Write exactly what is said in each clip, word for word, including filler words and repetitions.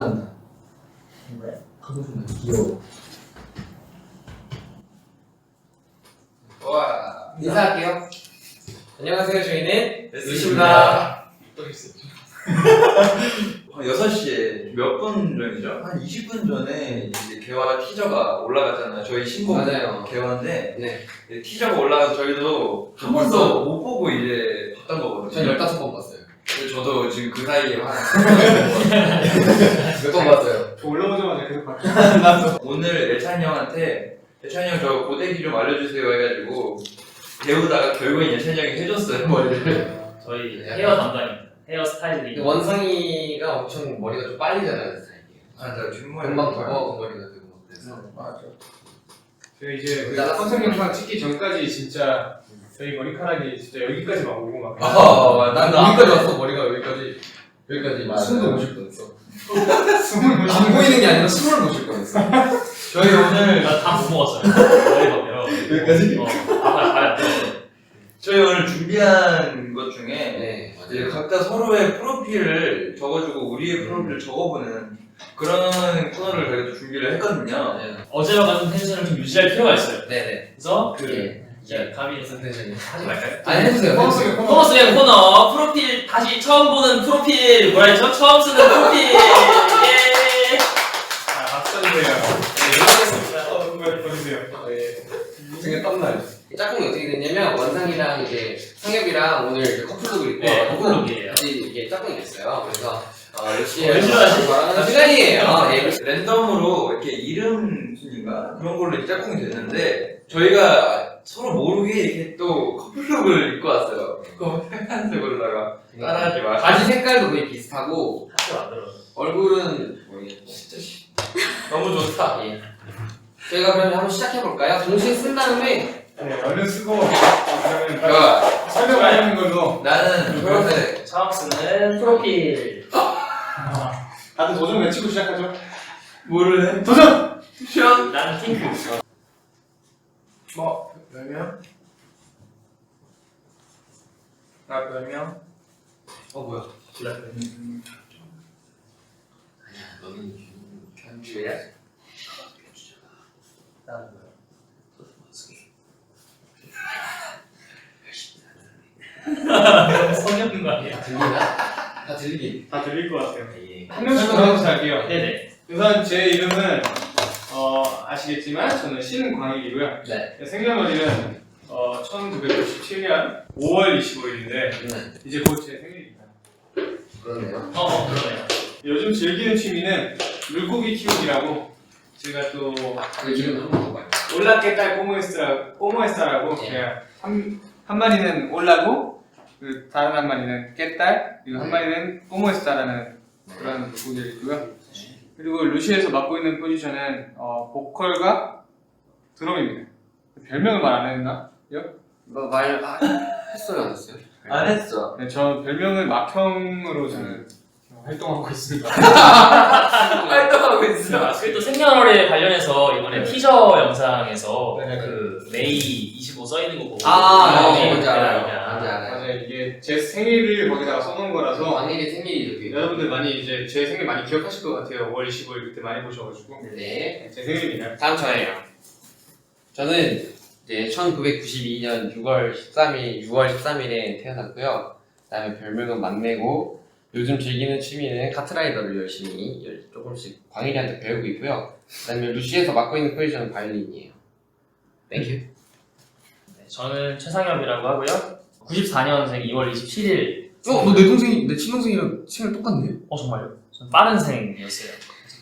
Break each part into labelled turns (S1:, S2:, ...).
S1: 귀여워.
S2: 와,
S1: 인사할게요. 안녕하세요. 저희는
S2: 루시입니다.
S1: 또 있었죠.
S2: 한 여섯 시에 몇 분 전이죠? 한 이십 분 전에 이제 개화 티저가 올라갔잖아요. 저희 신곡
S1: 맞아요.
S2: 개화인데
S1: 네.
S2: 티저가 올라가서 저희도 한 번도 못 보고 이제 봤던 거거든요.
S1: 전 열다섯 번 봤어요.
S2: 근데 저도 지금 그 사이에 한
S1: 몇 번 봤어요?
S3: 저 올라오자마자 계속 봤죠.
S2: 오늘 예찬이 형한테 예찬이 형 저 고데기 좀 알려주세요 해가지고 배우다가 결국엔 예찬이 형이 해줬어요 머리를.
S4: 저희 헤어 담당입니다. 헤어 스타일링.
S1: 원상이가 엄청 머리가 좀 빨리 자라는 스타일이에요.
S2: 아, 저 뒷머리
S1: 금방 더 머리가 되고 막 그래서.
S2: 맞아.
S3: 저희 이제 그
S1: 나갔어요.
S3: 컨셉 영상 찍기 전까지 진짜 저희 머리카락이 진짜 여기까지 막 오고 막.
S2: 아,
S1: 난
S2: 난
S1: 여기까지 왔어. 머리가 여기까지 여기까지
S2: 맞아요.
S1: 숨도 못 쉴 뻔했어.
S3: 숨을 못
S1: 안 보이는 게 아니라 숨을 못 쉴 뻔했어.
S2: 저희 오늘
S4: 나다못 먹었어요. 머리가
S2: 여기까지?
S4: 어, 밥을 밥을 안 먹었어요.
S2: 저희 오늘 준비한 것 중에
S1: 네,
S2: 이제
S1: 맞아요.
S2: 각자 서로의 프로필을 적어주고 우리의 프로필을 적어보는 그런 코너를 저희가 준비를 했거든요.
S1: 네,
S4: 어제와 같은 텐션을 좀 유지할 필요가 있어요.
S1: 네.
S4: 그래서 그
S1: 예.
S4: 이제 감히
S1: 텐션이.
S4: 하지 말까요?
S1: 아니 해주세요.
S3: 퍼스의 코너.
S4: 코너 속의 코너 프로필 다시 처음 보는 프로필 뭐라 했죠? 처음 쓰는 프로필. 예.
S3: 아, 박수 주세요.
S4: 네, 이렇게 했습니다.
S3: 어, 정말 보여주세요.
S1: 등에 땀나요. 짝꿍이 어떻게 됐냐면 원상이랑 이제 상엽이랑 오늘 이제 커플룩을 입고
S4: 네,
S1: 와가지고
S4: 커플룩이에요.
S1: 같이 이게 짝꿍이 됐어요. 그래서 어,
S4: 왜
S1: 루시에
S4: 싫어하지?
S1: 말하는 시간이에요. 네.
S2: 랜덤으로 이렇게 이름 순인가 그런 걸로 이제 짝꿍이 됐는데 저희가 서로 모르게 이렇게 또 커플룩을 입고 왔어요. 그거 빨간색으로다가 따라하지 마.
S1: 바지 색깔도 거의 비슷하고
S4: 학교 안 들어.
S1: 얼굴은 모르겠고.
S2: 진짜 씨. 너무 좋다.
S1: 예. 저희가 그러면 한번 시작해 볼까요? 동시에 쓴 다음에
S3: 네, 얼른 쓰고 그러면 바로
S2: 자,
S3: 설명 안 하는 걸로.
S2: 나는 초록색.
S4: 처음 쓰는 프로필.
S3: 다들 도전 외치고 시작하죠.
S2: 뭐를 해?
S3: 도전!
S2: 시원?
S4: 나는 핑크.
S2: 뭐 별명? 나 별명?
S1: 어 뭐야?
S4: 블랙.
S1: 너는 견주야?
S4: 나는 뭐야? 성의 없는 거 아니야?
S1: 들리나? 다 들리긴.
S3: 다 들릴 것 같아요.
S1: 예.
S3: 한 명씩 전화해서 할게요.
S4: 네네.
S3: 우선 제 이름은 어, 아시겠지만 저는 신광일이고요.
S1: 네.
S3: 생년월일은 어, 천구백구십칠 년 오월 이십오일인데
S1: 네.
S3: 이제 곧 제 생일입니다.
S1: 그러네요.
S4: 어, 어 그러네요.
S3: 요즘 즐기는 취미는 물고기 키우기라고 제가 또
S1: 그 이름 한번 먹어봐요.
S3: 올라깨딸 꼬모에스라, 꼬모에스라고
S1: 예.
S3: 제가 한, 한 마리는 올라고 그 다른 한 마리는 깨딸 그리고 한 마리는 꼬모에스라는 그런 물고기를 있고요. 그리고 루시에서 맡고 있는 포지션은 어, 보컬과 드럼입니다. 별명을 말 안 했나?
S1: 뭐말 아, 했어요 안 했어요?
S2: 안 했어.
S3: 네, 저 별명은 막형으로 저는 활동하고 있습니다.
S2: 활동하고 있어.
S4: 아, 그리고 또 생년월일 관련해서 이번에 티저 영상에서
S3: 네.
S4: 그 메이 이십오 써있는 거 보고
S1: 아,
S4: 네,
S1: 네, 뭔지 알아요.
S4: 그냥
S1: 뭔지 알아요.
S3: 맞아요. 이게 제 생일을 거기다가 써놓은 거라서
S1: 왕일이 생일이 이렇게.
S3: 여러분들 많이 이제 제 생일 많이 기억하실 것 같아요. 오월 이십오일 그때 많이 보셔가지고
S1: 네.
S3: 제 생일입니다.
S1: 다음 저예요. 저는 이제 천구백구십이 년 유월 십삼일, 유월 십삼일에 태어났고요. 그다음에 별명은 막내고 요즘 즐기는 취미는 카트라이더를 열심히 열- 조금씩 광일이한테 배우고 있고요. 그다음에 루시에서 맡고 있는 포지션은 바이올린이에요. 땡큐.
S4: 네, 저는 최상엽이라고 하고요. 구십사 년생 이월 이십칠일.
S1: 어, 너 내 동생이 내 친동생이랑 생일 똑같네.
S4: 어 정말요? 전 빠른 생이었어요.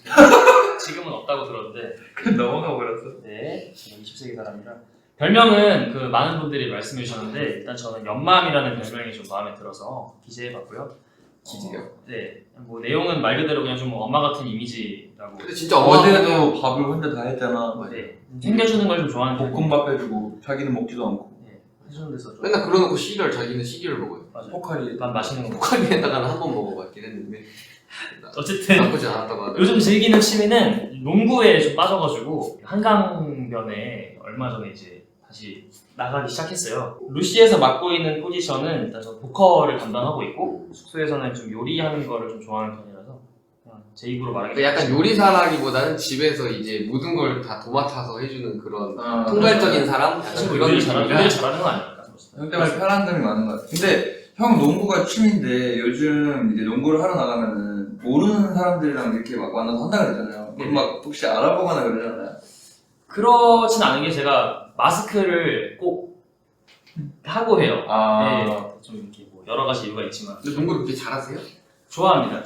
S4: 지금은 없다고 들었는데.
S2: 그 넘어가 버렸어.
S4: 네, 저는 이십 세기 사람이라. 별명은 그 많은 분들이 말씀해 주셨는데 일단 저는 연맘이라는 별명이 좀 마음에 들어서 기재해봤고요.
S1: 기재요?
S4: 어, 네, 뭐 내용은 말 그대로 그냥 좀 엄마 같은 이미지라고.
S1: 근데 진짜 어제도
S2: 어제도 밥을 혼자 다 했잖아.
S4: 네, 챙겨주는 걸 좀 좋아하는 편이에요.
S2: 볶음밥 해주고 자기는 먹지도 않고.
S4: 네, 해주는 데서 좀.
S1: 맨날 그러놓고 시리얼 자기는 시리얼 먹어요.
S4: 맞아요.
S2: 포카리.
S4: 난 맛있는 거 먹어.
S1: 포카리에다가는 한 번 먹어봤긴 했는데
S4: 어쨌든
S1: 나쁘지 않았다고 하더라고요.
S4: 요즘 즐기는 취미는 농구에 좀 빠져가지고 한강변에 얼마 전에 이제 다시 나가기 시작했어요. 루시에서 맡고 있는 포지션은 일단 저 보컬을 담당하고 있고 숙소에서는 좀 요리하는 거를 좀 좋아하는 편이라서 그냥 제 입으로 말하기
S1: 그 약간 요리사라기보다는 집에서 이제 모든 걸 다 도맡아서 해주는 그런
S2: 아,
S1: 통괄적인 사람?
S4: 사실
S1: 약간
S4: 뭐
S1: 그런
S4: 요리를 잘하는,
S1: 느낌이라
S4: 요리를 잘하는 건 아니니까.
S2: 형 때문에 편한 점이 많은 것 같아. 근데 형 농구가 취미인데 요즘 이제 농구를 하러 나가면은 모르는 사람들이랑 이렇게 막 만나서 한다 그러잖아요. 그럼 막 혹시 알아보거나 그러잖아요.
S4: 그렇진 않은 게 제가 마스크를 꼭 하고 해요.
S2: 아.
S4: 네, 좀 이렇게 뭐 여러 가지 이유가 있지만
S1: 근데 농구를 그렇게 잘하세요?
S4: 좋아합니다.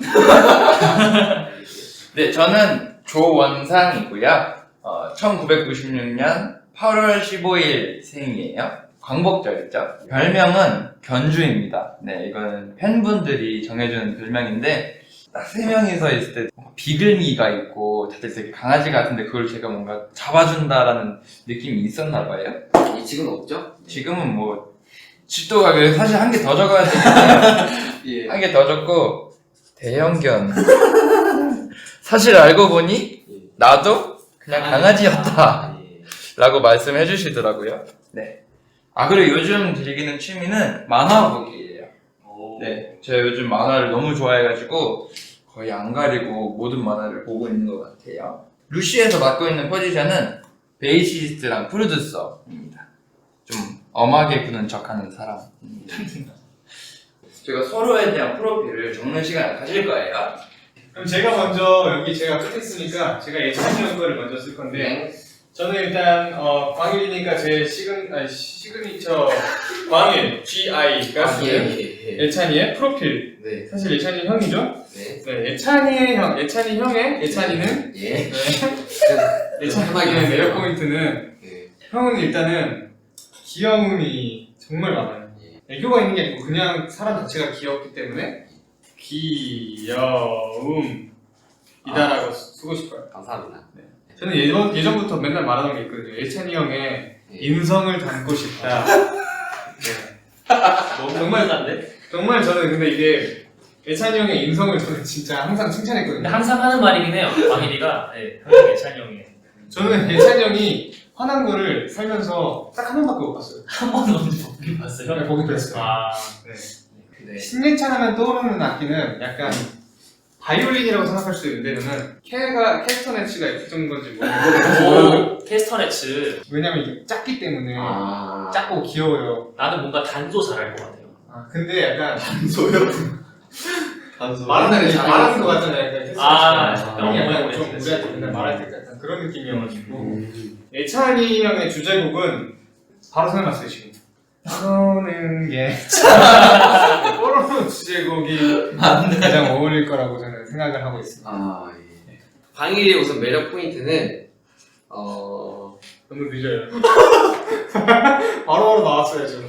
S2: 네, 저는 조원상이고요. 어, 천구백구십육 년 팔월 십오일 생이에요. 광복절이죠. 별명은 견주입니다. 네, 이거는 팬분들이 정해주는 별명인데 딱 세 명이서 있을 때 비글미가 있고 다들 되게 강아지 같은데 그걸 제가 뭔가 잡아준다라는 느낌이 있었나 봐요.
S1: 이 지금 없죠?
S2: 지금은 뭐 집도가 사실 한 개 더 적어야 되는데
S1: 예.
S2: 한 개 더 적고 대형견. 사실 알고 보니
S1: 예.
S2: 나도 그냥 강아지였다
S1: 아, 예.
S2: 라고 말씀해 주시더라고요. 네. 아, 그리고 요즘 즐기는 취미는 만화 보기예요.
S4: 오.
S2: 네. 제가 요즘 만화를 너무 좋아해가지고 거의 안 가리고 모든 만화를 보고 있는 것 같아요. 루시에서 맡고 있는 포지션은 베이시스트랑 프로듀서입니다. 좀 엄하게 구는 척하는 사람입니다. 제가 서로에 대한 프로필을 적는 시간을 가질 거예요.
S3: 그럼 제가 먼저 여기 제가 끝에 쓰니까 제가 예찬이 형 거를 먼저 쓸 건데
S1: 네.
S3: 저는 일단 어, 광일이니까 제 시그니, 아니, 시그니처 광일 G I가
S1: 아, 예,
S3: 쓰는
S1: 예, 예.
S3: 예찬이의 프로필.
S1: 네.
S3: 사실 예찬이 형이죠?
S1: 네.
S3: 네, 예찬이의 형, 예찬이 형의 예찬이는
S1: 예.
S3: 네.
S1: 편하게
S3: 예찬이의
S1: 하세요.
S3: 매력 포인트는
S1: 네.
S3: 형은 일단은 귀여움이 정말 많아요. 애교가 있는 게 아니고 그냥 사람 자체가 귀엽기 때문에 귀여움이다라고 쓰고 싶어요.
S1: 감사합니다.
S3: 저는 예전, 예전부터 맨날 말하던 게 있거든요. 예찬이 형의
S1: 예.
S3: 인성을 담고 싶다. 네.
S4: 너무
S3: 정말
S4: 감사한데?
S3: 정말 저는 근데 이게 예찬이 형의 인성을 저는 진짜 항상
S4: 근데
S3: 칭찬했거든요.
S4: 항상 하는 말이긴 해요. 광일이가 네, 형이 예찬이 형이
S3: 저는 예찬이 형이 화난 거를 살면서 딱 한 번밖에 못 봤어요.
S4: 한 번도 언제 보긴 봤어요.
S3: 네, 보기 했어요.
S4: 아,
S3: 네.
S1: 네.
S3: 신예찬 하면 떠오르는 악기는 약간 바이올린이라고 생각할 수도 있는데 저는 캐가 캐스터네츠가 있었던 건지 모르겠어요.
S4: 오, 캐스터네츠.
S3: 왜냐면 이게 작기 때문에
S1: 아.
S3: 작고 귀여워요.
S4: 나는 뭔가 단조 잘할 것 같아요.
S3: 아 근데 약간
S1: 단소요? 단소.
S3: 말하는 게 말하는 거 같잖아요. 약간 캐스터네츠가.
S4: 아,
S3: 형이 약간
S4: 어,
S3: 좀
S4: 어,
S3: 우리한테
S4: 어,
S3: 맨날
S4: 어,
S3: 말할 때 약간 그런 느낌이어가지고
S1: 음.
S3: 예찬이 형의 주제곡은 바로 생각났어요 지금. 떠오르는 게 뽀로로 주제곡이 가장 어울릴 거라고 저는 생각을 하고 있습니다.
S1: 아, 예. 광일이의 우선 매력 포인트는, 어,
S3: 너무 늦어요. 바로바로 나왔어요 지금.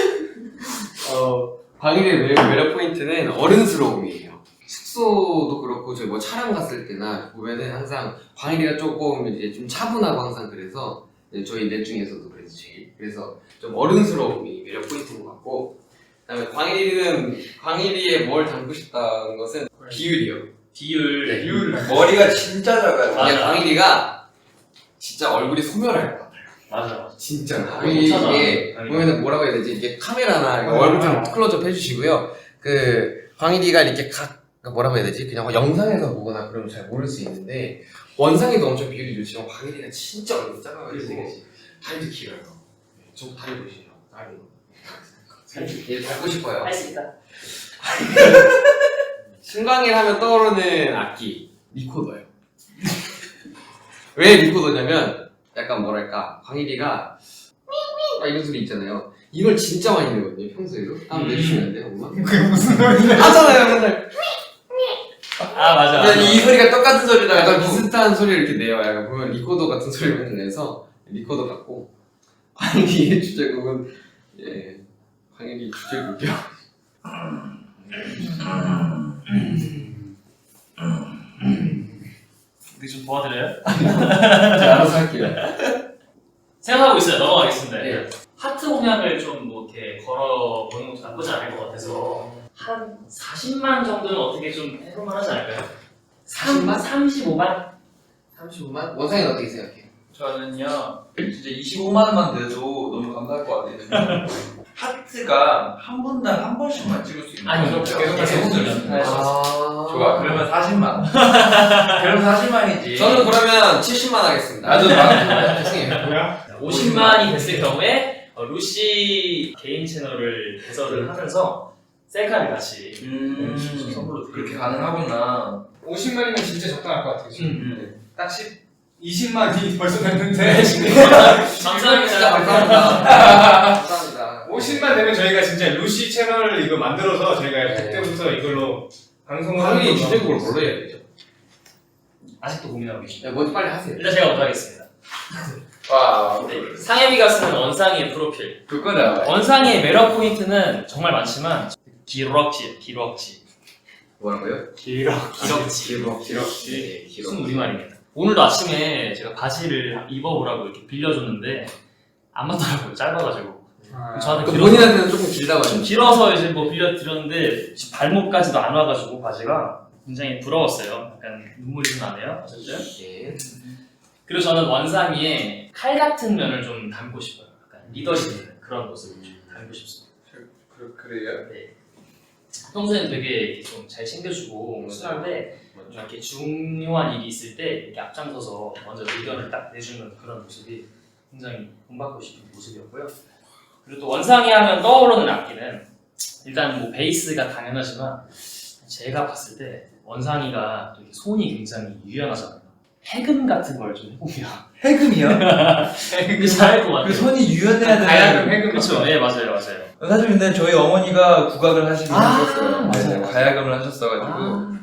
S1: 어, 광일이의 매력, 매력 포인트는 어른스러움이에요. 숙소도 그렇고, 저희 뭐 촬영 갔을 때나 보면은 항상 광일이가 조금 이제 좀 차분하고 항상 그래서, 네, 저희 넷 중에서도 그래서 제일. 그래서 좀 어른스러움이 매력 포인트인 것 같고, 그 다음에 광일이는, 광일이의 뭘 담고 싶다는 것은 비율이요.
S4: 비율.
S1: 네.
S3: 이유를
S2: 머리가 진짜 작아요.
S4: 맞아.
S1: 이게 광일이가 진짜 얼굴이 소멸할 것 같아요.
S4: 맞아, 맞아.
S1: 진짜.
S4: 아, 못 찾아.
S1: 이게
S4: 아니,
S1: 보면은 뭐라고 해야 되지? 이게 카메라나 이거
S3: 아,
S1: 얼굴 좀
S3: 아.
S1: 클로즈업 해주시고요. 그 광일이가 이렇게 각 그러니까 뭐라고 해야 되지? 그냥 영상에서 보거나 그러면 잘 모를 수 있는데 원상에도 엄청 비율이 좋지만 광일이가 진짜 얼굴이 작아가지고 다리도 길어요. 저 다리 보시죠. 다리. 얘 닮고 싶어요.
S4: 할 수 있다.
S1: 신광일 하면 떠오르는 악기 리코더요. 왜 리코더냐면 약간 뭐랄까 광일이가 막 이런 소리 있잖아요. 이걸 진짜 많이 내거든요 평소에도. 한번
S4: 음.
S1: 내주시면 안 돼요 엄마?
S3: 그게 무슨 소리냐?
S1: 하잖아요 맨날.
S4: 아, 맞아.
S2: 그냥 이 소리가 똑같은 소리다.
S1: 약간 비슷한 소리를 이렇게 내요. 약간 보면 리코더 같은 소리를 맨날 내서 리코더 같고 광일이의 주제곡은 예 광일이 주제곡이요.
S4: 어떻게 좀 도와드려요?
S1: 제가 알아서 할게요.
S4: 생각하고 있어요. 넘어가겠습니다.
S1: 네.
S4: 하트 공약을 좀 뭐 이렇게 걸어보는 것도 나쁘지 않을 것 같아서 한 사십만 정도는 어떻게 좀 해볼만 하지 않을까요?
S1: 사십만?
S4: 삼십오만?
S1: 삼십오만? 원상이는 어떻게 생각해요?
S2: 저는요, 진짜 이십오만 원만 돼도 너무 감사할 것 같아요. 하트가 한 분당 한 번씩만 찍을 수 있는
S4: 아니,
S2: 거죠?
S4: 계속
S3: 계속
S4: 누르면.
S1: 아.
S2: 좋아. 그러면 사십만. 그럼 사십만이지.
S1: 저는 그러면 칠십만 하겠습니다.
S2: 나도 막
S1: 죄송해요.
S3: 뭐야?
S4: 오십만이 됐을 경우에 어, 루시 개인 채널을 개설을 하면서 셀카를 같이
S2: 음,
S4: 선물로 드릴게요.
S2: 그렇게 가능하구나.
S3: 오십만이면 진짜 적당할 것 같아요. 지금.
S4: 음.
S3: 딱 십, 이십만이 벌써 됐는데
S4: 감사합니다.
S1: 진짜 감사합니다. 감사합니다.
S3: 오십만 되면 저희가 진짜 루시 채널을 이거 만들어서 저희가
S1: 네.
S3: 그때부터 이걸로 방송을
S1: 당연히
S3: 하는
S1: 주제곡을
S3: 걸로.
S1: 뭘로 해야 되죠?
S4: 아직도 고민하고 계십니다.
S1: 야, 먼저 빨리 하세요.
S4: 일단 제가 먼저 하겠습니다.
S2: 와,
S4: 네, 상혜비가 쓰는 원상이의 프로필.
S2: 그거다.
S4: 원상이의 매력 포인트는 정말 많지만 기럭지, 기럭지.
S1: 뭐라고요?
S4: 기럭, 기럭지.
S1: 길어, 길어.
S4: 네, 무슨 우리말입니다. 오늘도 아침에 제가 바지를 입어보라고 이렇게 빌려줬는데 안 맞더라고요. 짧아가지고.
S3: 아,
S4: 저한테
S1: 그
S4: 길어서,
S1: 본인한테는 조금 길다고
S4: 좀
S1: 하죠.
S4: 길어서 이제 뭐 빌려드렸는데 지금 발목까지도 안 와가지고 바지가 굉장히 부러웠어요. 약간 눈물이 좀 나네요. 어쨌든.
S1: 예.
S4: 그리고 저는 원상이의 칼 같은 면을 좀 담고 싶어요. 약간 리더십 있는 그런 모습을 좀 담고 싶습니다.
S3: 그, 그래요?
S4: 네. 평소에는 되게 좀 잘 챙겨주고 순한데 이렇게 중요한 일이 있을 때 이렇게 앞장서서 먼저 의견을 딱 내주는 그런 모습이 굉장히 본받고 싶은 모습이었고요. 그리고 또 원상이 하면 떠오르는 악기는 일단 뭐 베이스가 당연하지만 제가 봤을 때 원상이가 되게 손이 굉장히 유연하잖아요. 해금 같은 걸 좀 해보면
S2: 해금이요?
S4: 되게 잘할 것 같아요.
S2: 그 손이 유연해야 되는.
S3: 가야금 해금
S4: 그렇죠. 네 맞아요 맞아요.
S2: 사실 근데 저희 어머니가 국악을 하시긴
S4: 아,
S2: 하셨어요.
S4: 맞아요,
S2: 네,
S4: 맞아요.
S2: 가야금을 하셨어가지고
S4: 아.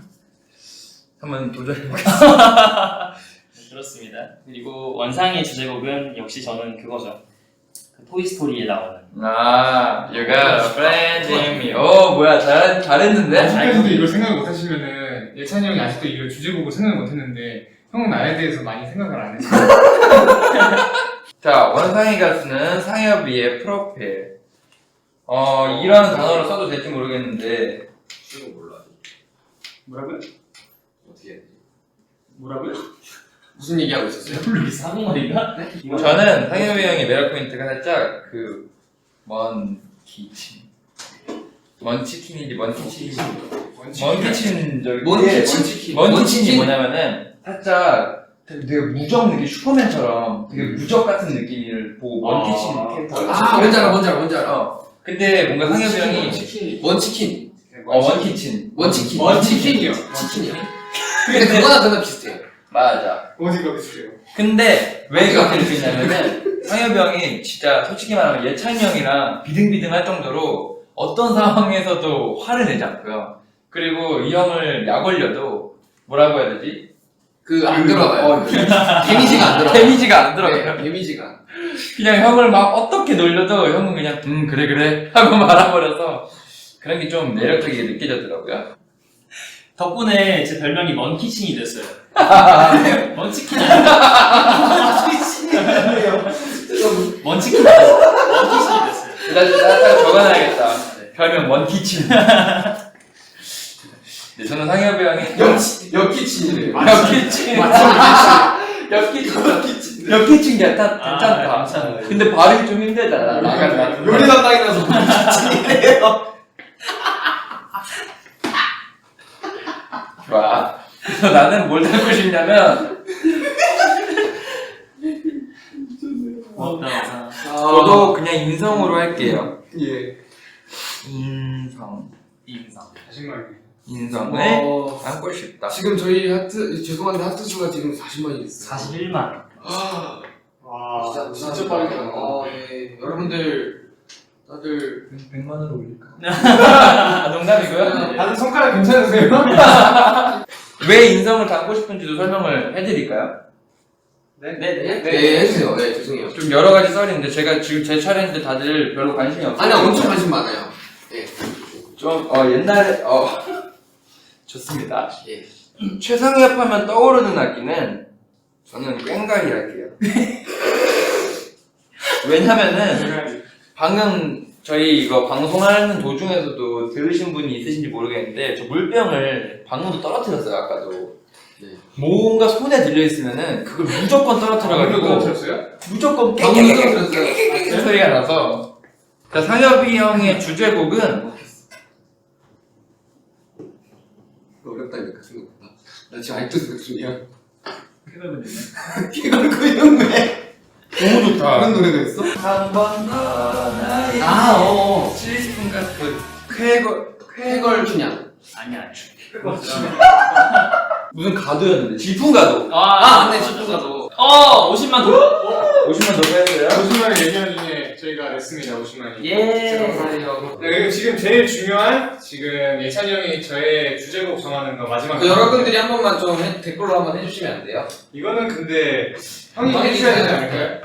S2: 한번 도전해보겠습니다.
S4: 그렇습니다. 그리고 원상의 주제곡은 역시 저는 그거죠. 그 토이스토리에 나오는
S2: 아, you got a friend in me. 오, 뭐야, 잘, 잘했는데?
S3: 아직까지도 이걸 생각 못 하시면은 예찬이 형이 아직도 이거 주제곡을 생각 못 했는데 형은 나에 대해서 많이 생각을 안 했어요.
S2: 자, 원상이가 쓰는 상엽이의 프로필. 어, 이런 단어를 써도 될지 모르겠는데,
S1: 쓰는 거 몰라.
S4: 뭐라고요?
S1: 어떻게 해야 되지?
S4: 뭐라고요?
S1: 무슨 얘기하고 있었어요?
S4: 모르겠어. 한국말인가? 네?
S2: 저는 상엽이 형의 매력 포인트가 살짝 그, 먼 키친. 먼 치킨인지 먼 키친인지. 먼 키친, 저기.
S1: 먼키친 치킨.
S2: 먼 키친이
S1: 먼치킨?
S2: 뭐냐면은, 살짝 되게, 되게 무적 느낌, 슈퍼맨처럼 되게 무적 같은 느낌을 보고 먼
S4: 아.
S2: 키친 캐릭터가.
S1: 아, 뭔지 알아, 뭔지 알아, 뭔지 알아.
S2: 어. 근데 뭔가 상엽이 형이,
S1: 치킨. 원치킨.
S2: 어, 원키친.
S1: 원치킨.
S3: 원치킨이요.
S1: 치킨이요. 근데 그거나 그거나 비슷해요.
S2: 맞아.
S3: 어디가 비슷해요?
S2: 근데 왜 그렇게 느끼냐면은 상엽이 형이 진짜 솔직히 말하면 예찬이 형이랑 비등비등할 정도로 어떤 상황에서도 화를 내지 않고요. 그리고 이 형을 약 올려도 뭐라고 해야 되지?
S1: 그, 안
S2: 그,
S1: 들어가요.
S2: 어,
S1: 데미지가 안 들어가요.
S2: 데미지가 안 들어가요.
S1: 네, 데미지가.
S2: 그냥 형을 막 어떻게 놀려도 형은 그냥 음 그래 그래 하고 말아버려서 그런 게 좀 매력적이게 느껴졌더라고요.
S4: 덕분에 제 별명이 먼키친이 됐어요. 먼치킨 아니에요? 먼치킨 됐어요. 먼키친이 됐어요.
S2: 일단 딱 적어놔야겠다. 별명 원키친. 네, 저는 상엽이 형이
S1: 역치, 역키친이래요.
S2: 역키친. 역키친.
S1: 역키친.
S2: 역키친 괜찮,
S4: 아,
S2: 괜찮다.
S4: 괜찮아요.
S2: 근데 발음이 좀 힘들다. 나간다.
S1: 요리 담당이라서 역키친이래요.
S2: 좋아. 그래서 나는 뭘 담고 싶냐면
S4: 고맙다.
S2: 저도 그냥 인성으로 할게요.
S1: 예.
S2: 인성.
S4: 인상.
S3: 자신감이.
S2: 인성을
S1: 어,
S2: 담고 싶다.
S1: 지금 저희 하트, 죄송한데 하트 수가 지금 사십만이 됐어요.
S4: 사십일만.
S1: 아,
S3: 와,
S1: 진짜, 진짜 빠르게 나. 아, 네. 여러분들, 다들.
S2: 백만 원을 올릴까? 아, 농담이고요.
S3: 다들 손가락 괜찮으세요?
S2: 왜 인성을 담고 싶은지도 설명을 해드릴까요?
S3: 네.
S4: 네네.
S1: 네, 해주세요. 네, 죄송해요.
S2: 좀 여러 가지 썰이 있는데 제가 지금 제 차례인데 다들 별로 관심이 없어요.
S1: 아니, 엄청 관심 많아요. 네.
S2: 좀 어, 옛날에 어 좋습니다.
S1: 예.
S2: 최상엽 하면 떠오르는 악기는 저는 꽹과리 할게요. 왜냐면은 방금 저희 이거 방송하는 도중에서도 들으신 분이 있으신지 모르겠는데 저 물병을 방금도 떨어뜨렸어요. 아까도.
S1: 네.
S2: 뭔가 손에 들려있으면은 그걸 무조건 떨어뜨려가지고
S3: 떨어뜨렸어요?
S2: 무조건
S1: 방금
S2: 깨깨깨깨
S1: 떨어뜨렸어요.
S2: 소리가 나서 자, 상엽이 형의 주제곡은
S1: 어렵다니까 생각보다. 나 지금 알투 생각 중이야.
S3: 쾌걸군이네.
S1: 개걸구형 왜?
S2: 너무 좋다.
S1: 그런 노래가 있어?
S2: 한 번 더 나의
S1: 아, 어.
S2: 시스템 같은 쾌걸
S1: 쾌걸 춘향.
S4: 아니야.
S2: 무슨 가도였는데 질풍 가도.
S1: 아, 맞네, 집중가도.
S4: 어, 오십만 더.
S2: 오십만 더 빼야 돼요?
S3: 오십 만을 얘기하는 중에 저희가 냈습니다. 오십 만이.
S4: 예.
S1: 감사해요.
S3: 네, 그리고 지금 제일 중요한 지금 예찬이 형이 저의 주제곡 정하는 거 마지막.
S1: 그 여러분들이 한 번만 좀 해- 댓글로 한번 해주시면 안 돼요?
S3: 이거는 근데 형이
S1: 형이
S3: 해주셔야 되지
S1: 해주셔야
S3: 않을까요?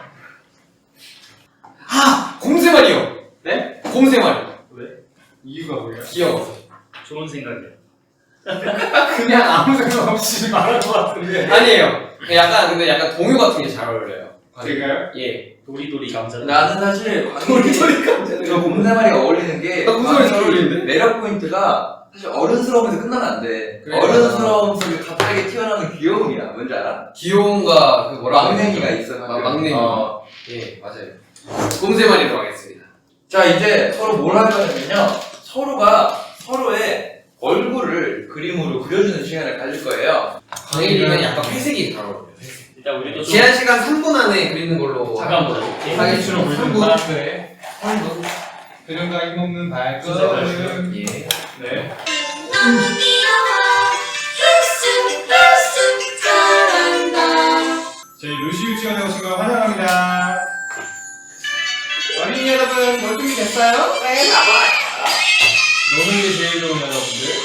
S1: 아! 곰새말이요!
S3: 네?
S1: 곰새말.
S4: 왜?
S3: 이유가 뭐예요?
S1: 귀여워.
S4: 좋은 생각이야.
S3: 그냥 아무 생각 없이 말한 것 같은데.
S1: 아니에요. 약간, 근데 약간 동요 같은 게 잘 어울려요.
S3: 제가요?
S1: 예.
S4: 도리도리 감자.
S2: 나는 사실
S1: 도리도리 감자는.
S2: 저 곰새말이가 어울리는 게
S1: 나 곰새말이 잘 어울리는데?
S2: 매력 포인트가 사실 어른스러움에서 끝나면 안 돼.
S1: 그래,
S2: 어른스러움 속에 갑자기 튀어나오는 귀여움이야. 뭔지 알아?
S1: 귀여움과 그 뭐라
S2: 막내미가 있어.
S1: 아, 막내미.
S2: 어.
S1: 예, 맞아요. 곰새말이로 하겠습니다.
S2: 자, 이제 서로 뭘 할 거냐면요. 서로가 서로의 얼굴을 그림으로 그려주는 시간을 가질 거예요.
S1: 광일이는 약간 회색이 잘 어울려요.
S4: 일단 우리도 좀
S1: 제한 시간 삼 분 안에 그리는 걸로.
S4: 잠깐 보자.
S1: 하겠습니다.
S3: 물든
S1: 삼 분.
S3: 바람에 그녀가 힘없는 발걸음.
S1: 예.
S3: 네.
S5: 너무 귀여워 쑥쑥 쑥쑥 자란다.
S3: 저희 루시 유치원에 오신 걸 환영합니다. 어린이 여러분, 뭘 준비됐어요? 네, 나와요. 노는 게 제일 좋은 여러분들.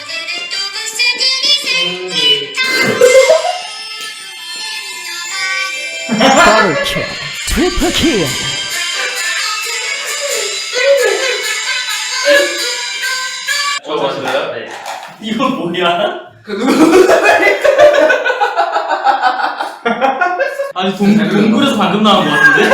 S6: Double kill, triple kill.
S2: 저 봤어요?
S4: 네. 이건 뭐야?
S1: 그 누구?
S4: 아니 동 동굴에서 방금 나온 것 같은데?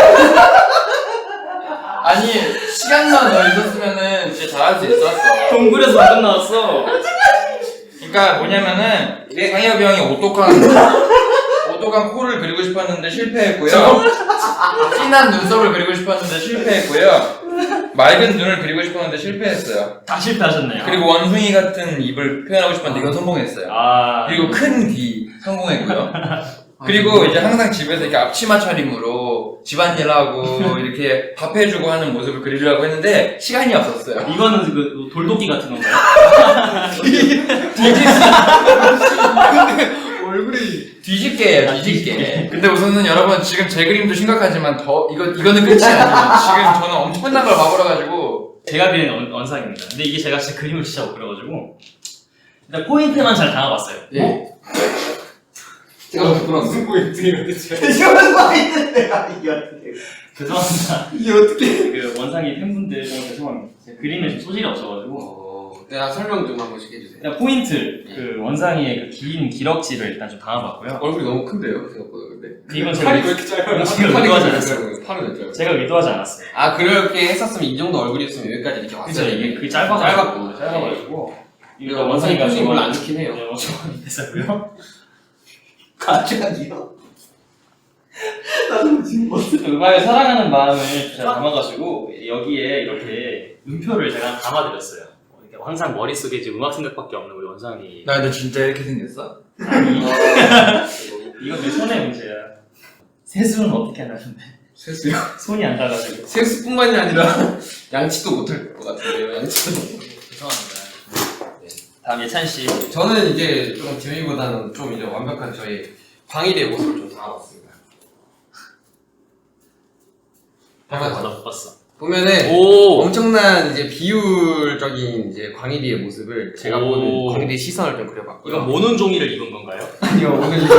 S2: 아니, 시간만 더 있었으면은 진짜 잘할 수 있었어.
S4: 동굴에서 방금 나왔어.
S2: 그러니까 뭐냐면은 상엽이 형이 오똑한 오똑한 코를 그리고 싶었는데 실패했고요. 진한 눈썹을 그리고 싶었는데 실패했고요. 맑은 눈을 그리고 싶었는데 실패했어요.
S4: 다 실패하셨네요.
S2: 그리고 원숭이 같은 입을 표현하고 싶었는데 이건 성공했어요.
S4: 아
S2: 그리고 큰 귀 성공했고요. 그리고 이제 항상 집에서 이렇게 앞치마 차림으로 집안일하고 이렇게 밥 해주고 하는 모습을 그리려고 했는데 시간이 없었어요.
S4: 이거는 그 돌도끼 같은 건가요?
S3: 얼굴이.
S2: 뒤집게예요,
S4: 아,
S2: 뒤집게. 근데 우선은 여러분 지금 제 그림도 심각하지만 더 이거 이거는 끝이 아니에요. 지금 저는 엄청난 걸 봐버려가지고
S4: 제가 그린 원, 원상입니다. 근데 이게 제가 진짜 그림을 진짜 못 그려가지고 일단 포인트만 잘 담아봤어요.
S1: 예. 제가 부끄러웠어.
S3: 무슨 포인트예요, 대체?
S4: 죄송합니다.
S1: 이게 어떻게?
S4: 그 원상이 팬분들 너무 죄송합니다. 제가 그림에 좀 소질이 없어가지고
S1: 어, 내가 설명 좀 한 번씩 해주세요.
S4: 일단 포인트 그 원상이의 그 긴 기럭지를 일단 좀 담아봤고요.
S1: 얼굴이 너무 큰데요, 생각보다 근데.
S4: 이건 제가
S3: 팔이 왜
S4: 의-
S3: 이렇게 짧아요?
S4: 제가 의도하지 않았어요.
S1: 팔은 왜 짧아요?
S4: 제가 의도하지 않았어요.
S1: 아, 그렇게 했었으면 이 정도 얼굴이었으면 여기까지 이렇게
S4: 그죠?
S1: 왔어요.
S4: 이게 그 짧아가지고
S1: 짧았고.
S4: 짧아가지고
S1: 이거 원상이가
S4: 좋아하는-
S1: 별로 안 좋긴 해요.
S4: 네, 원상이 됐었고요.
S1: 갑자기요?
S4: 음악을 사랑하는 마음을 잘 담아가지고 여기에 이렇게 음표를 제가 담아드렸어요. 어, 이렇게 항상 머릿속에 지금 음악 생각밖에 없는 우리 원상이.
S2: 나 근데 진짜 이렇게 생겼어?
S4: 아니 이건 내 손의 문제야. 세수는 어떻게 하냐는데
S1: 세수요?
S4: 손이 안 닿아가지고.
S1: 세수뿐만이 아니라 양치도 못할 것 같은데요, 양치도.
S4: 죄송합니다. 네. 다음 예찬 씨.
S1: 저는 이제 좀 재미보다는 좀 이제 완벽한 저희 광일의 모습을 좀 담아봤습니다.
S4: 잠깐 못 봤어.
S1: 보면은
S4: 오.
S1: 엄청난 이제 비율적인 이제 광일이의 모습을 제가
S4: 오.
S1: 보는 광일이의 시선을 좀 그려봤고요.
S4: 이건 모는 종이를 입은 건가요?
S1: 아니요, 오늘 이거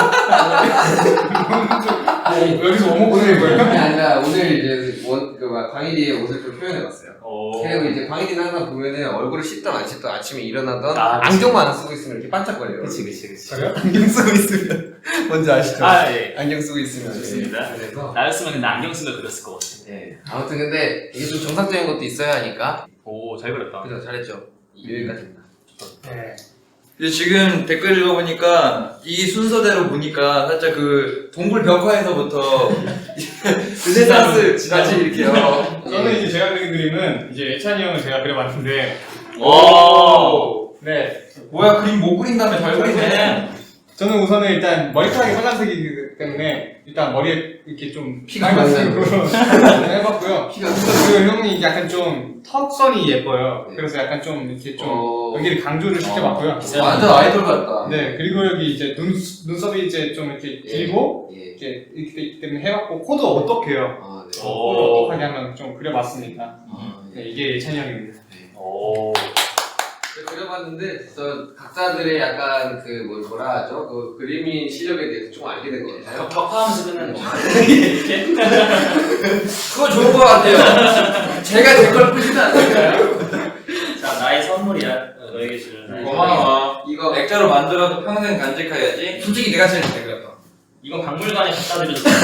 S3: 뭐, 여기서 오목 보는
S1: 그게
S3: 거예요?
S1: 아니라 오늘 이제 원, 그 막 광일이의 옷을 좀 표현해봤어요.
S4: 오.
S1: 그리고 이제 광일이는 항상 보면은 얼굴을 씻던 안 씻던 아침에 일어나던
S4: 아, 그치.
S1: 안경만 안 쓰고 있으면 이렇게 반짝거려요.
S4: 그치 그치 그치.
S3: 저요?
S1: 안경 쓰고 있으면 뭔지 아시죠?
S4: 아 예.
S1: 안경 쓰고 있으면
S4: 좋습니다.
S1: 예. 그래서
S4: 나였으면 근데 안경 쓴 거 그렸을 것 같아.
S1: 예. 아무튼 근데 이게 좀 정상적인 것도 있어야 하니까
S4: 오 잘 그렸다.
S1: 그래서 잘했죠. 여기까지입니다.
S3: 네.
S2: 이제 지금 댓글 읽어보니까 이 순서대로 보니까 살짝 그 동굴 벽화에서부터 르네상스 다시 이렇게요.
S3: 저는 이제 제가 그린 그림은 이제 예찬이 형을 제가 그려봤는데
S2: 오.
S3: 네
S2: 뭐야 그림 못 그린다며 잘 그리네.
S3: 저는 우선은 일단 머리카락이 빨간색이기 때문에 일단 머리에 이렇게 좀
S1: 피가
S3: 빨간색으로 해봤고요.
S1: 피가
S3: 그리고 형이 약간 좀 턱선이 예뻐요.
S1: 네.
S3: 그래서 약간 좀 이렇게 좀
S1: 어...
S3: 여기를 강조를 시켜봤고요.
S2: 완전 아이돌 같다.
S3: 네 그리고 여기 이제 눈 눈썹이 이제 좀 이렇게 길고
S1: 예.
S3: 이렇게 이렇게 돼 있기 때문에 해봤고 코도 어떻게요?
S1: 아, 네.
S3: 코를 어떻게 하면 좀 그려봤습니다.
S1: 아,
S3: 네, 이게 예찬이 형입니다.
S4: 오.
S1: 그려봤는데 저 각자들의 약간 그 뭐, 뭐라 하죠? 그 그림이 실력에 대해서 좀 알게 된 것 같아요.
S4: 격파하면서 끝나는 거.
S1: 그거 좋은 것 같아요. 제가 제 걸 보지는 않을까요?
S4: 자, 나의 선물이야. 너에게 주는 나의
S2: 고마워.
S1: 이거
S2: 액자로 만들어도 평생 간직해야지.
S1: 솔직히 내가 제일 잘 그렸다.
S4: 이건 박물관에 갖다 드려도 돼.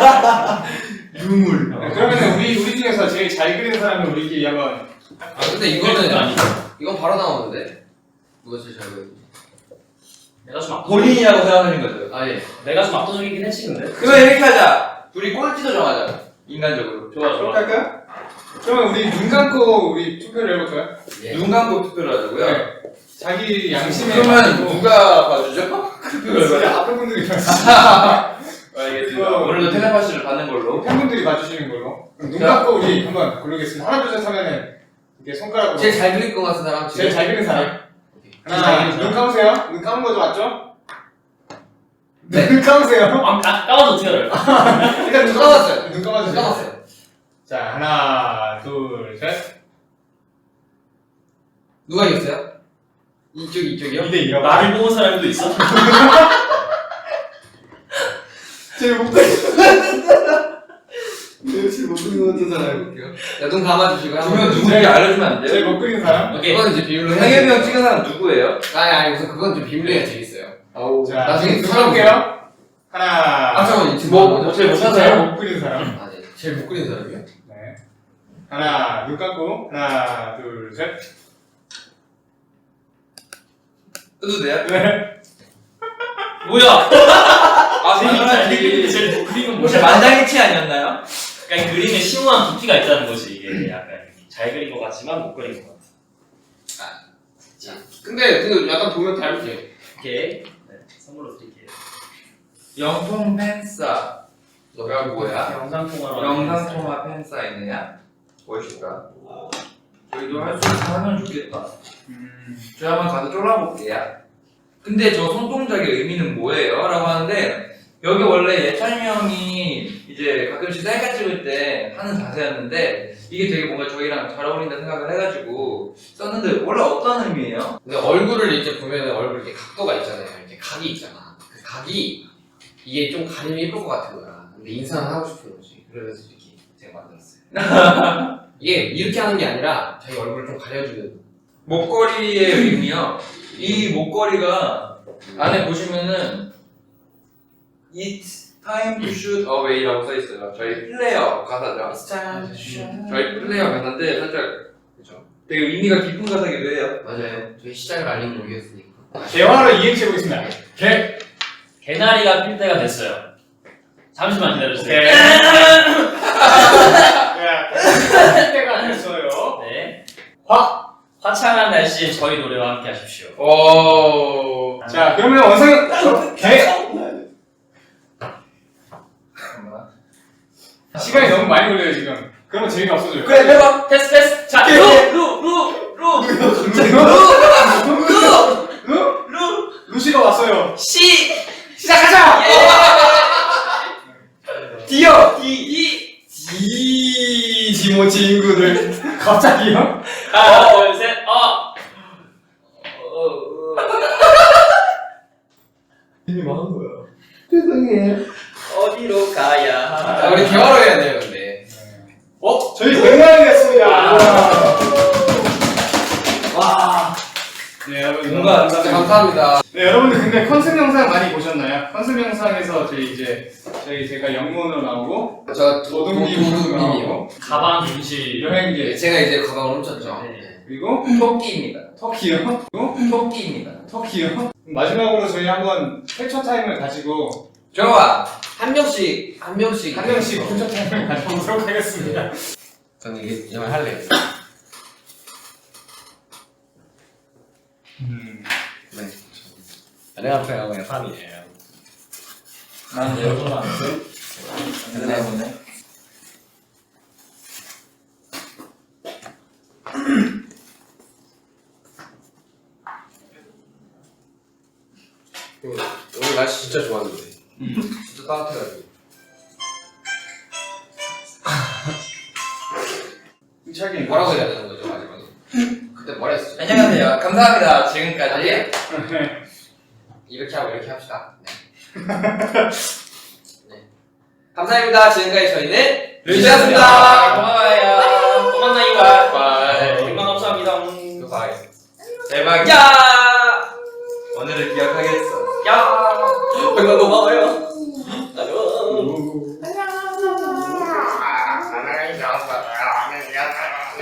S2: 유물.
S3: 네, 그러면 우리 우리 중에서 제일 잘 그리는 사람을 우리끼리 한번.
S1: 아 근데 이거는
S4: 아니죠.
S1: 이건 바로 나오는데 누가 제일 잘 그렸지?
S4: 내가 좀 압도적.
S2: 본인이라고 생각하는 거죠.
S1: 아 예.
S4: 내가 좀 압도적이긴 했지 근데.
S2: 그러면 이렇게 하자. 둘이 꼴찌도 정하자. 인간적으로.
S4: 좋아
S3: 그렇게
S4: 좋아.
S3: 할까요? 그러면 우리 눈 감고 우리 투표를 해볼까요?
S1: 예.
S2: 눈 감고 투표를 하자고요.
S3: 네. 자기 양심에
S2: 그러면
S3: 맞고
S2: 누가 봐주죠?
S3: 진짜 앞에 분들이
S2: 알겠습니다. 오늘도 텔레파시를 받는 걸로.
S3: 팬분들이 봐주시는 걸로. 그럼 눈
S2: 자.
S3: 감고 우리 한번 고르겠습니다. 하나 둘 셋 하면은 이렇게 손가락으로
S1: 제일 잘 그릴 것 같은 사람
S3: 제일 잘 그리는 사람.
S1: 오케이.
S3: 하나, 눈 감으세요. 눈 감은 거죠, 맞죠? 네. 눈 감으세요.
S4: 아, 아 까워도 어떻게 알아요?
S3: 일단 눈
S1: 감았어요.
S3: 눈 감아주세요.
S1: 까먹었어요.
S3: 자, 하나, 둘, 셋.
S1: 누가 이겼어요? 이쪽 이쪽이요?
S3: 이 대 이라고.
S4: 나를 뽑은 사람도 있어?
S3: 제일 못 그리.
S1: 제일 못 그리는 것 같은 사람 해볼게요. 야눈 감아주시고
S2: 그러면 누군지 알려주면 안
S3: 제일
S2: 돼요?
S3: 못 그리는 사람.
S4: 오케이.
S1: 그건 이제 비밀로 해야
S2: 상엽이 형
S1: 돼요.
S2: 찍은 사람 누구예요?
S1: 아니 아니 우선 그건 좀 비밀로 해야 재밌어요. 아우
S3: 자,
S1: 나중에
S3: 눈
S1: 사람
S3: 감을게요. 하나.
S1: 아 잠깐만 지금
S2: 뭐,
S1: 뭐
S2: 뭐 제일 못한
S3: 제일
S2: 사람?
S3: 못 그리는 사람.
S1: 아 네. 제일 못 그리는 사람이요?
S3: 네. 하나, 눈 감고. 하나, 둘, 셋.
S2: 해도 돼요?
S3: 네.
S4: 뭐야?
S2: 아,
S4: 재밌다.
S2: 당연하지.
S4: 제일 못 그리는
S2: 혹시
S4: 뭐야?
S2: 만장일치 아니었나요?
S4: 그러니까 그림에 심오한 깊이가 있다는 거지 이게 약간 잘 그린 것 같지만 못 그린 것 같아.
S1: 근데 그 약간 보면 다르지.
S4: 오케이. 네, 선물로 드릴게요.
S2: 영통 팬싸.
S1: 너가 뭐야?
S4: 영상 통화로.
S2: 영상 통화 팬싸이네요. 무엇일까? 저희도 할 수 있으면 하면 좋겠다.
S3: 음.
S2: 저 한번 가서 쫄아볼게요. 근데 저 손동작의 의미는 뭐예요? 라고 하는데 여기 원래 예찬이 형이 이제 가끔씩 셀카 찍을 때 하는 자세였는데 이게 되게 뭔가 저희랑 잘 어울린다 생각을 해가지고 썼는데 원래 어떤 의미예요?
S1: 근데 얼굴을 이렇게 보면 얼굴 이렇게 각도가 있잖아요. 이렇게 각이 있잖아. 그 각이 이게 좀 가리면 예쁠 것 같은 거야. 근데 인상을 하고 싶은 거지. 그래서 이렇게 제가 만들었어요. 이게 이렇게 하는 게 아니라 자기 얼굴을 좀 가려주는.
S2: 목걸이의 의미요. 이 목걸이가 안에 보시면은 It's time to shoot away라고 써있어요. 저희 플레이어 가사죠. 저희 플레이어 가사인데 살짝
S1: 그렇죠.
S2: 되게 의미가 깊은 가사기도 해요.
S1: 맞아요. 저희 시작을 알리는 곡이었으니까.
S3: 대화로 이행시 해보겠습니다. 개.
S4: 개나리가 필 때가 됐어요. 잠시만 기다려주세요.
S3: 네. 때가 됐어요.
S4: 네.
S3: 화.
S4: 화창한 날씨에 저희 노래와 함께 하십시오.
S2: 오.
S3: 자, 그러면 원상 개. 시간이 너무 많이 걸려요 지금. 그러면 재미가 없어져요.
S2: 그래 해봐.
S4: 패스 패스. 자,
S3: 개,
S4: 루!
S3: 개.
S4: 루! 루! 루!
S3: 루?
S4: 루!
S3: 루시가 왔어요.
S4: 시!
S3: 시작하자.
S2: 뛰어.
S4: 이! 이!
S3: 이지모 친구들. 갑자기요?
S4: 하나, 둘, 셋, 어! 어, 어.
S3: 이미 망한 거야.
S4: 어디로 가야 하나?
S1: 자, 우리 대화로 해야 돼요, 근데.
S3: 어? 저희 백만이었습니다.
S4: 와.
S3: 네 여러분
S2: 뭔가
S1: 진짜 감사합니다.
S3: 네 여러분들 근데 컨셉 영상 많이 보셨나요? 컨셉 영상에서 저희 이제 저희 제가 영문으로 나오고
S1: 저
S3: 도둑님
S1: 도둑님이요.
S3: 나오고
S4: 가방 임시.
S3: 여행기
S1: 제가 이제 가방을 훔쳤죠.
S4: 네.
S3: 그리고
S2: 토끼입니다.
S3: 터키요. 그리고
S2: 토끼입니다.
S3: 터키요. 마지막으로 저희 한번 캡처 타임을 가지고
S2: 좋아.
S1: 한 명씩 한 명씩
S3: 한 명씩 캡처 타임을 가져보도록 하겠습니다.
S1: 저는 이게 이말 할래요.
S3: 음.
S1: 네. 안녕하세요. 산이에요.
S2: 난 여러분 안 돼. 안 보네.
S1: 오늘 날씨 진짜 좋았는데. 진짜 따뜻해가지고.
S3: 힘차게
S1: 뭐라고 해야 되는 거죠 마지막에? 그때 뭐라 했었죠?
S2: 안녕하세요. 감사합니다. 지금까지.
S1: 아니에요? 이렇게 하고 이렇게 합시다. 네. 네. 감사합니다. 지금까지 저희는
S2: 루시였습니다. 고마워요.
S4: 또 만나요.
S2: 바이바이.
S4: 정말 감사합니다.
S1: 바이.
S2: 대박이야.
S4: 야!
S2: 오늘을 기억하겠어.
S4: 야!
S1: 정말 고마워요.